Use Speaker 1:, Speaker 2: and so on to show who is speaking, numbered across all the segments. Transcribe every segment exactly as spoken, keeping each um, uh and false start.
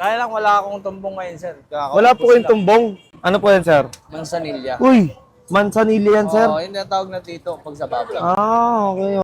Speaker 1: Kaya lang wala akong tumbong ngayon, sir. Kakaupos
Speaker 2: Wala po kayong
Speaker 1: lang.
Speaker 2: tumbong. Ano po yan, sir?
Speaker 1: Mansanilya.
Speaker 2: Uy, mansanili yan, sir.
Speaker 1: Oo, yun yung tawag na tito pag sa baba.
Speaker 2: Ah, okay.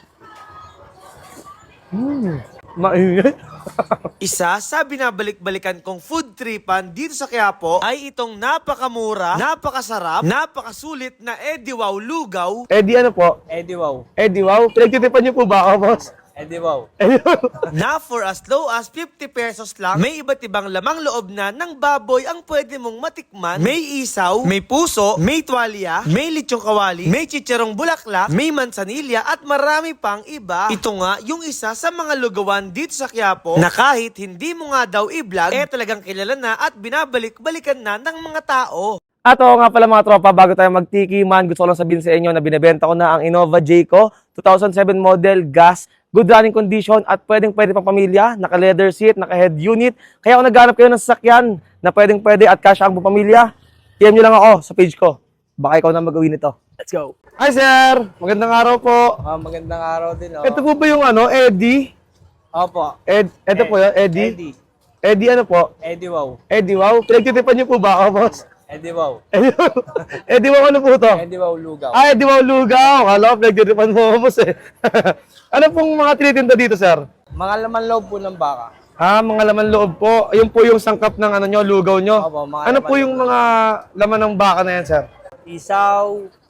Speaker 2: Hmm, mainit.
Speaker 3: Isa sa binabalik-balikan kong food tripan dito sa Quiapo ay itong napakamura, napakasarap, napakasulit na Eddie Wow Lugaw.
Speaker 2: Eddie, ano po?
Speaker 1: Eddie Wow.
Speaker 2: Eddie, wow. Pinagtitipan niyo po ba ako, boss?
Speaker 1: Eddie Wow.
Speaker 3: Na for as low as fifty pesos lang, may iba't ibang lamang loob na ng baboy ang pwede mong matikman. May isaw, may puso, may tuwalya, may lechong kawali, may chicharong bulaklak, may mansanilya at marami pang iba. Ito nga yung isa sa mga lugawan dito sa Quiapo na kahit hindi mo nga daw i-vlog, eh talagang kilala na at binabalik-balikan na ng mga tao.
Speaker 2: At oo nga pala mga tropa, bago tayo magtikiman, gusto ko lang sabihin sa inyo na binibenta ko na ang Innova Jayco two thousand seven model gas, good running condition at pwedeng pwede pang pamilya, naka leather seat, naka head unit. Kaya kung naghanap kayo ng sasakyan na pwedeng pwede at kasya ang pamilya, P M nyo lang ako sa page ko. Baka ikaw na mag-uwi nito. Let's go! Hi sir! Magandang araw po.
Speaker 1: Ah, magandang araw din, oh.
Speaker 2: Ito po ba yung ano, Eddie?
Speaker 1: Opo.
Speaker 2: Ed, ito po yun, Eddie?
Speaker 1: Eddie.
Speaker 2: Eddie ano po?
Speaker 1: Eddie Wow.
Speaker 2: Eddie, wow. Pinagtitipan niyo po ba ako, boss?
Speaker 1: Eddie Wow.
Speaker 2: Eddie, Eddie, wow, ano po to?
Speaker 1: Eddie Wow Lugaw.
Speaker 2: Ay, Eddie, wow, lugaw. Kala ko, pinagtitipan mo ako, boss eh. Ano pong mga tinitinda dito, sir?
Speaker 1: Mga laman loob po ng baka.
Speaker 2: Ah, mga laman loob po. Ayun po yung sangkap ng ano nyo, lugaw nyo.
Speaker 1: Opo, mga
Speaker 2: Ano
Speaker 1: laman
Speaker 2: po yung mga laman ng baka na yan, sir?
Speaker 1: Isaw,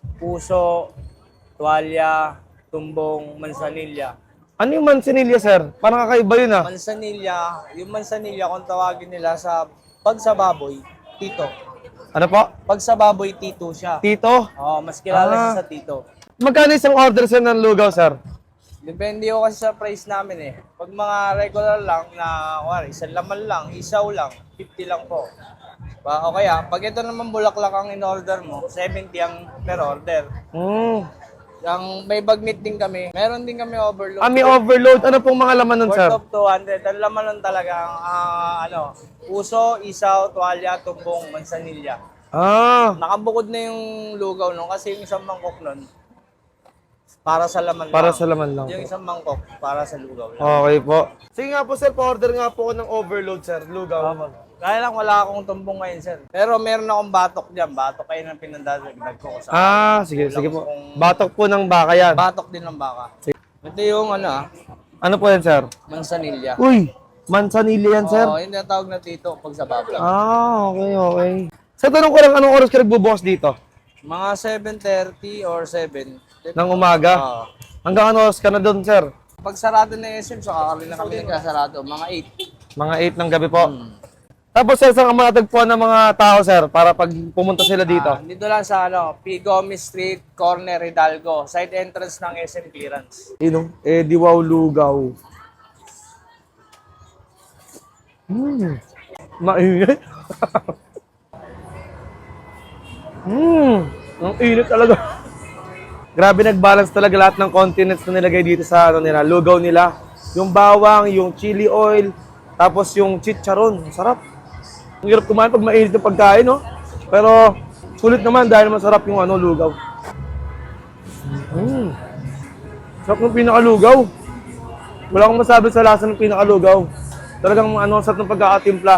Speaker 1: puso, tuwalya, tumbong, mansanilya.
Speaker 2: Ano yung mansinilya, sir? Parang kakaiba yun ah.
Speaker 1: Mansanilya, yung mansanilya kung tawagin nila sa pag sa baboy, tito.
Speaker 2: Ano po?
Speaker 1: Pag sa baboy, tito siya.
Speaker 2: Tito?
Speaker 1: Oo, mas kilala
Speaker 2: Ah.
Speaker 1: siya sa tito.
Speaker 2: Magkano isang order, sir, ng lugaw, sir?
Speaker 1: Depende ko kasi sa price namin eh. Pag mga regular lang na, wala, isang laman lang, isaw lang, fifty lang po. Ba, o kaya, pag ito naman bulaklak ang in-order mo, seventy ang per order.
Speaker 2: Hmm.
Speaker 1: Ang may bagnet din kami, meron din kami overload.
Speaker 2: Ah, may overload. Ano pong mga laman nun, sir?
Speaker 1: Worth of two hundred. Ang laman nun talaga, ang ah, ano, puso, isaw, tuwalya, tumbong, mansanilya.
Speaker 2: Ah.
Speaker 1: Nakabukod na yung lugaw nun kasi yung isang mangkok nun, para sa laman
Speaker 2: Para
Speaker 1: lang.
Speaker 2: sa laman lang
Speaker 1: Yung
Speaker 2: po.
Speaker 1: isang mangkok, para sa lugaw lang.
Speaker 2: Okay po. Sige nga po, sir. Pa-order nga po ako ng overload, sir. Lugaw.
Speaker 1: Kaya lang wala akong tumbong ngayon, sir. Pero meron akong batok dyan. Batok kayo ng pinandadagdag ko sa
Speaker 2: Ah, sige,
Speaker 1: Kulang
Speaker 2: sige po.
Speaker 1: kung-
Speaker 2: Batok po ng baka yan.
Speaker 1: batok din ng baka. Ito yung ano ah,
Speaker 2: Ano po yan, sir?
Speaker 1: mansanilya.
Speaker 2: Uy, mansanili yan, sir.
Speaker 1: Oo, yun yung tawag na tito pag sa baba.
Speaker 2: Ah, okay, okay. Sa tanong ko lang, anong oras ka nagbubukas dito?
Speaker 1: Mga seven thirty or seven.
Speaker 2: Ng umaga?
Speaker 1: Oo.
Speaker 2: Hanggang ano oras ka na doon, sir?
Speaker 1: Pag sarado na S M, so kakali na kami nagkasarado. Mga eight.
Speaker 2: Mga eight ng gabi po. Tapos, sir, saan ka matatagpuan ng mga tao, sir, para pag pumunta sila dito?
Speaker 1: Ah, dito lang sa ano, P. Gomez Street, corner Hidalgo. Side entrance ng S M clearance.
Speaker 2: Ino? Eddie Wow Lugaw. Hmm. Mainit. Hmm. Ang init talaga. Grabe, nag-balance talaga lahat ng continents na nilagay dito sa ano nila, lugaw nila. Yung bawang, yung chili oil, tapos yung chicharon. Sarap. Ang hirap kumain pag mainit yung pagkain, no? Pero sulit naman dahil masarap yung ano, lugaw. Mm. Sarap ng pinakalugaw. Wala akong masabi sa lasa ng pinakalugaw. Talagang ano, sarap ng pagkakatimpla.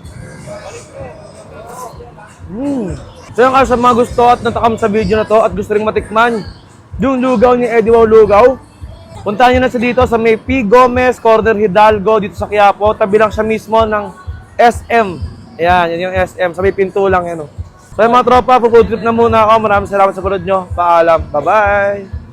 Speaker 2: Mm. So yung sa mga gusto at natakam sa video na to at gusto ring matikman yung lugaw ni Eddie Wow Lugaw, puntahan nyo na sa dito sa may P. Gomez, corner Hidalgo, dito sa Quiapo. Tabi lang siya mismo ng S M. Ayan, yan yung S M. Sa may pinto lang yan. Oh. So yung mga tropa, po-food trip na muna ako. Maraming salamat sa panood nyo. Paalam. Bye-bye!